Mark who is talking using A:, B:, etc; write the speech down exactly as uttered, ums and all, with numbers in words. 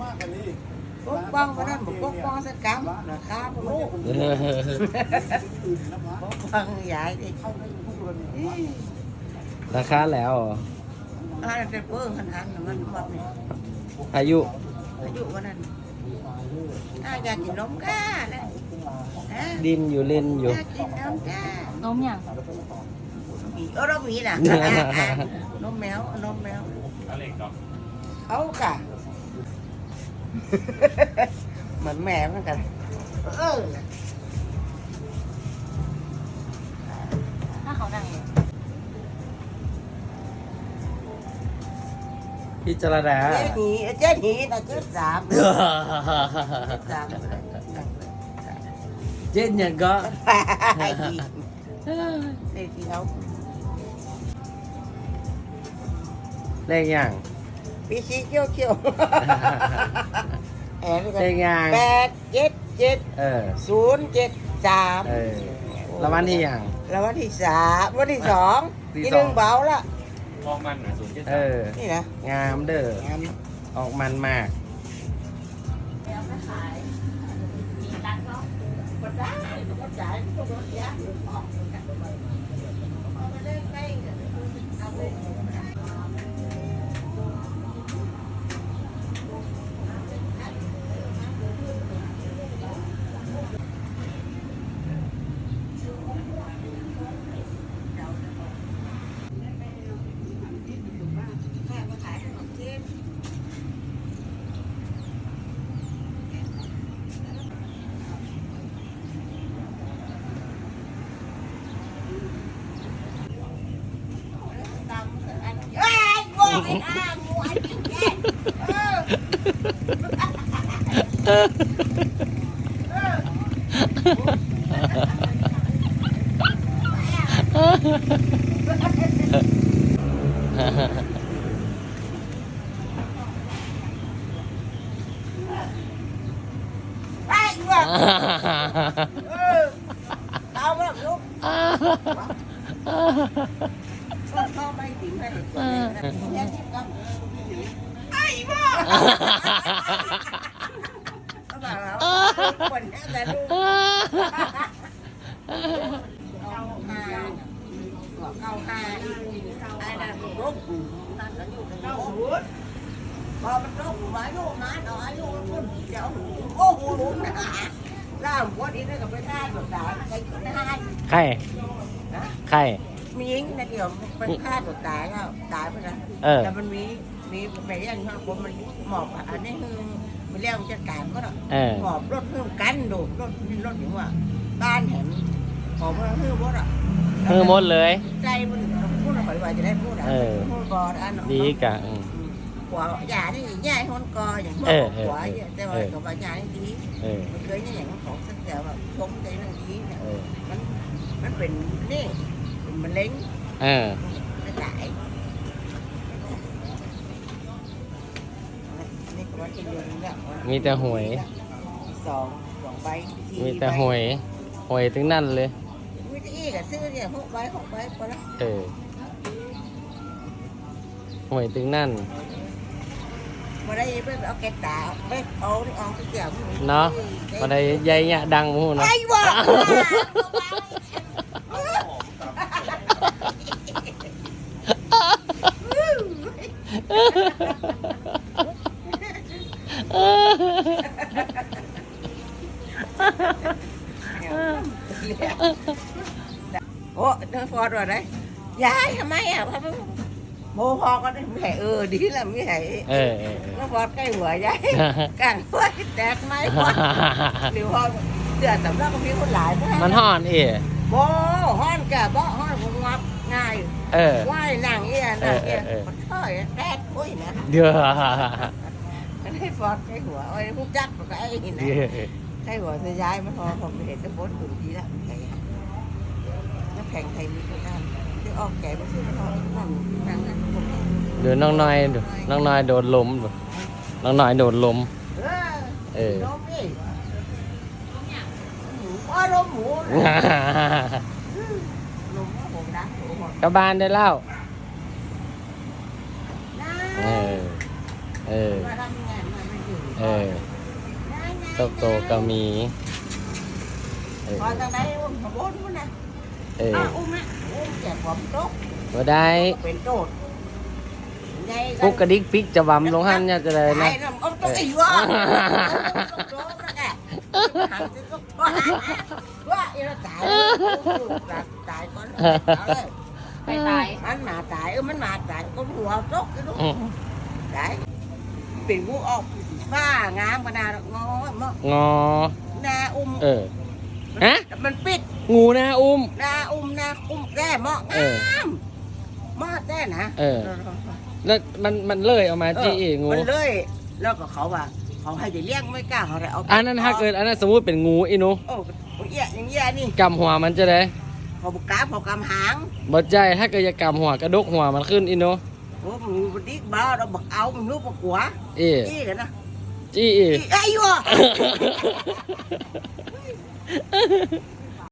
A: ปกป้องเพราะนั้นปกป้องสักกรรมราคาพวกลูกปกป้องใหญ่ดิ
B: ราคาแล้วเหรอ
A: อ่าจะเพิ่มขนาดมันบอกนี่
B: อายุ
A: อายุวันนั้นอาอยากกินนมก้าเลยนะ
B: ดินอยู่เล่นอยู่
A: อยากกินนมก้าน
C: มอย่าง
A: เออเรามีน่ะนมแมวนมแมวเขากะเหมือนแม่เหมือนกันเออ
C: ถ้าเขานั่งเลย
B: พิจารณา
A: เจ๊หนีเจ๊หนีนะเจ๊สามสาม
B: เจ็ดเนี่ยก็
A: ไอ้ดีไอ้ที่เขา
B: เลขอย่าง
A: ปีชีเขี้ยวเขี้ยวแอนนี่กัน
B: เลขอย่าง
A: แปดเจ็ดเจ็ด
B: เออ
A: ศูนย์เจ็ดสาม
B: เออแล้ววันที่อย่าง
A: แล้ววันที่สามวันที่สอง
B: ที่
A: ที่
B: ส
A: ห
B: อง
A: นึ่งเบาละ
D: มองมันหน่อยศูนย์เจ็ด
B: เอ
D: สาม
B: อ
A: นี่นะ
B: งามเด้อ
A: งาม
B: ออกมันมาก
C: แล้วไม่ขายมีร้านก็
A: ก็ได้ก็จ่ายก็ลดยากออกเอาไปเล่นไปเอาไปมาขายขนมจีน เอ้ยโง่ไอ้ห่างูไอ้กินแก่เออ ไอ้วัวเออเอามาแบบลูกเข้าไปถึงไปแย่ที่กับไอ้วัวเอาแบบเราคนนี้แต่ลูกเอาหาเอาหาไอ้นั่นลูกนั่นก็อยู่ในลูกพอมันลูกมาลูกมาหน่อยลูกมันเดี๋ยวโอ้โหลูกนะล่ามวัวนี้ได้กับไปท่าแบบด่าใครก็ได้
B: ใคร
A: นะ
B: ใคร
A: มียิงนะเดี๋ยวเป็นฆ่าตัวตายแล้วตายไปแล้ว
B: เออ
A: แต่มันมีมีไปยังข้างบนมันหมอบอันนี้คือมันเรียกจัดการก็ได้
B: เออ
A: หมอบรถเพิ่มกันดูรถรถอย่างว่าบ้านเห็นหมอบเพิ่มรถอ่ะ
B: มือหมดเลย
A: ใจมันพูดอะไรว่าจะได้พูดอ่ะ
B: เออ
A: พูดกออัน
B: ดีกะอืม
A: หัวหยานี่ย่ายคนกออย่างพวก
B: เออเออ
A: หัวแต่ว่ากับว่าหยานี่ดี
B: เออ
A: มันเคยนี่อย่างของสักแต่แบบชมใจนั่นดีเนี่ย
B: เออ
A: มันมันเป็นนี่เป็นมะเร็ง
B: เออ
A: ไม่ตายนี่ก็ว่าจะเดือนเนี่ย
B: มีแต่หวย
A: สองสองใบสี่
B: มีแต่หวยหวยถึงนั่นเลย
A: มีแต่อีกอะซื้อเนี่ยหกใบหกใบพอละ
B: เออหวยถึงนั่น
A: มาได้ไปเอาแกะตาไปเอาเอาไปเกี่ยว
B: เนาะมาได้ใหญ่เนี่ยดังหมูเนาะ
A: ไอ้บ้าโอ้เดินฟอร์ดว่าไงยายทำไมอ่ะพ่อโมพอก็ได้ไม่ให้เออดีแล้วไม่ให้
B: เออเออเออ
A: ก็ฟอร์ดใกล้หัวยายกลางหัวแตกไหมฟอร์ดหรือพอเดือดสำลักก็มีคนหลายนะ
B: มันห่อนเอ๋
A: โบฮ้อนแกบ่ฮ้อนผมงับง่าย
B: เออ
A: ว่ายนั่งเอี้ยนั่งเอี้ย
B: เออเออเออ
A: มันเท่ยแตกคุยนะ
B: เดี๋ยว
A: ก็ได้ฟอร์ดใกล้หัวไอ้ผู้จักก็ไอ้นี่นะ
B: เดี๋ยว
A: ใกล้หัวจะย้ายมาพอผมเห็นจะโพสต์อื่นทีละแข่งน้ำแข็งไทยมีก็ได้ที่ออกแก่ไปซื้อพอนั่งนั่งนั่งผม
B: เดี๋ยวน้องน้อยดูน้องน้อยโดดล้มดูน้องน้อยโดดล้ม
A: เออ
B: เออ
A: ล้มดิหมูอ้อล้มหมูล้มผมดังหมูหมด
B: กลับบ้านได้แล้ว
A: นะ
B: เออ เออ
A: มาทำยังไงมันไม่อยู่
B: เออโตโตก็มีเออ
A: พอทางไหนอุ้มขบวนมันนะ
B: เออ
A: อ้าอุ้มนะอุ้มแจกผมโต๊ะ
B: บ่ได้
A: เป็นโจทย์ไง
B: ปุ๊กกระดิกปิกจะวำลงหันเนี่ยจะได้นะ
A: ไอ้น้ำอ้อมต้องอีวะโต๊ะนั่นแหละหันจะต้องว่าว่าอีเราตายตายก่อนเอาเลย
C: ไปตาย
A: มันมาตายเออมันมาตายก็หัวโต๊ะcái lúc
B: อืม
A: đấyเป็นงูออกฟ้างามขนาดงอม
B: งอ
A: นาอุ้ม
B: เออ ฮะ
A: มันปิด
B: งูนะอุ้ม
A: นาอุ้มนาอุ้มแก่เหมาะ
B: เออ
A: งามเหมาะแต่นะ
B: เออ แล้วมันมันเลยเอามาจี้อีกงู
A: มันเลย แล้วก็เขาว่า เขาให้จะเลี้ยงไม่กล้าเขาเลยเอาไป
B: อันนั้นถ้าเกิดอันนั้นสมมุติเป็นงูอีหนู
A: โอ้ยเอี้ยอย่างเงี้ยนี่
B: กำหัวมันจะได้
A: เขาบุกกาเขากำหาง
B: บ่ใจถ้าเกิดจะกำหัวกระดกหัวมันขึ้นอีหนู
A: โอ้มึงบดิกบ้าเราบักเอามึงรู้บักหัว
B: เอ๋
A: จี้กันนะ
B: จี้อีก
A: จี้ไอ้ยวะ